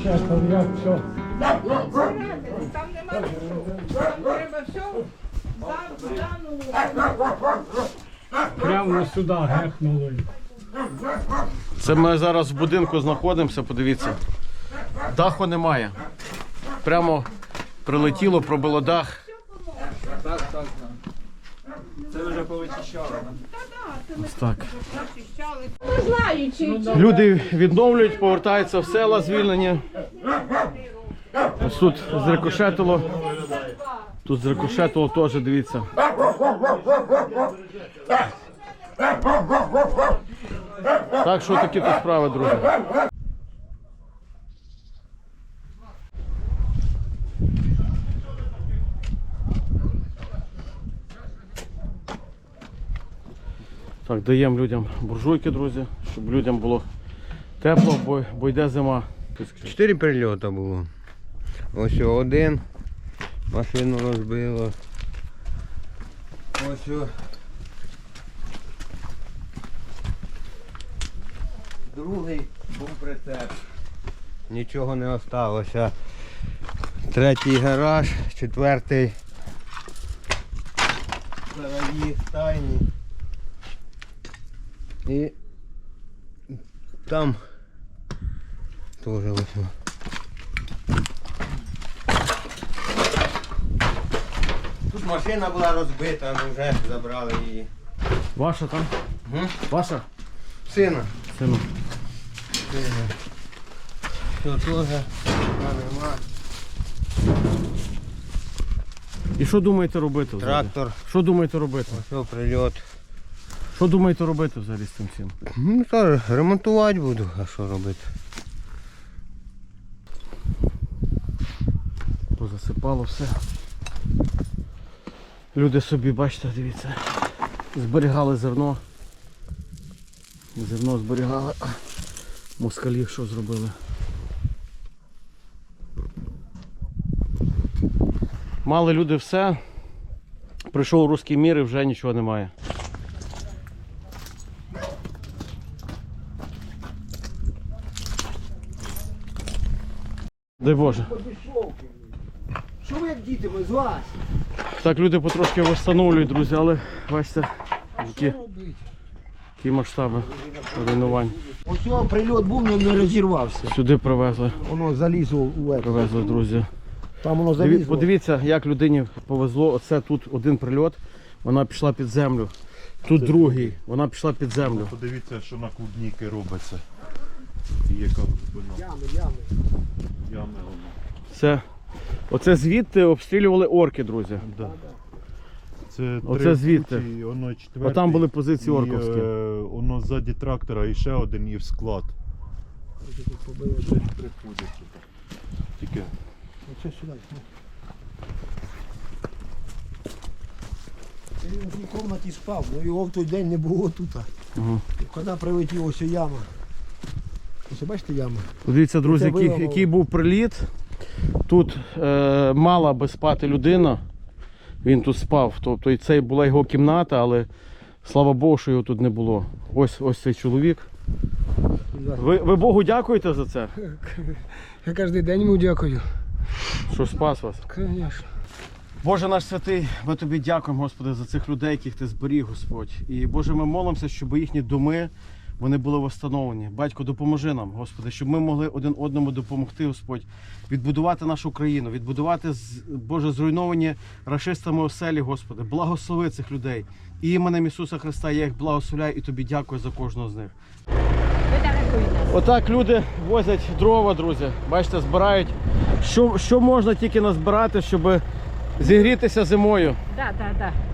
Зараз там як все. Там нема нічого. Там треба все Прямо сюди гехнули. Це ми зараз в будинку знаходимося, подивіться. Даху немає. Прямо прилетіло, пробило дах. Так. Це вже повичищали. Ось так. Не знаю, чи Люди відновлюють, повертаються в села звільнені. Ось тут зрикошетило. Тут зрикошетило теж, дивіться. Так що такі тут справи, друзі. Так, даємо людям буржуйки, друзі, щоб людям було тепло, бо йде зима. 4 прильоти було. Ось один, машину розбило. Ось другий був прицеп. Нічого не осталося. Третій гараж, четвертий сараї, стайні. І там теж ось. Тут машина була розбита, ми вже забрали її. Ваша там? Ваша? Сина. Сину. Сина. Все теж, нема. І що думаєте робити взагалі? Трактор. Що думаєте робити? Ось прильот. Що думаєте робити взагалі з цим всім? Ну що, ремонтувати буду, а що робити? Позасипало все. Люди собі, бачите, дивіться, зберігали зерно. Зерно зберігали. Москалів що зробили? Мали люди все. Прийшов руський мір і вже нічого немає. Дай Боже. Що ви як діти, ми з вас? Так, люди потрошки встановлюють, друзі, але бачите, які масштаби руйнувань. Ось його прильот був, але не розірвався. Сюди привезли, Воно залізло у ету. привезли, друзі. Там воно залізло. Подивіться, як людині повезло. Оце тут один прильот, вона пішла під землю. Тут другий, вона пішла під землю. Подивіться, що на клубніки робиться. І яка глибина. Ями воно. Оце звідти обстрілювали орки, друзі. Да. Це Оце три звідти. путі, воно четвертий. Отам були позиції орковські. Воно ззаді трактора і ще один і в склад. Приходять сюди. Тільки Оце сюди. Він в тій кімнаті спав, але його в той день не було тут. Ага. Коли прилетів ось яма. Ось бачите яма? Дивіться, друзі, Це виявило. який був приліт. Тут мала би спати людина. Він тут спав. Тобто і це була його кімната, але слава Богу, що його тут не було. Ось цей чоловік. Ви Богу дякуєте за це? Я кожен день йому дякую. Що спас вас? Звісно. Боже наш святий, ми тобі дякуємо, Господи, за цих людей, яких ти зберіг, Господь. І Боже, ми молимося, щоб їхні доми, вони були встановлені. Батько, допоможи нам, Господи, щоб ми могли один одному допомогти, Господь, відбудувати нашу країну, відбудувати, Боже, зруйновані рашистами оселі, Господи. Благослови цих людей. І іменем Ісуса Христа я їх благословляю і тобі дякую за кожного з них. Отак люди возять дрова, друзі. Бачите, збирають. Що можна тільки назбирати, щоб зігрітися зимою. Так.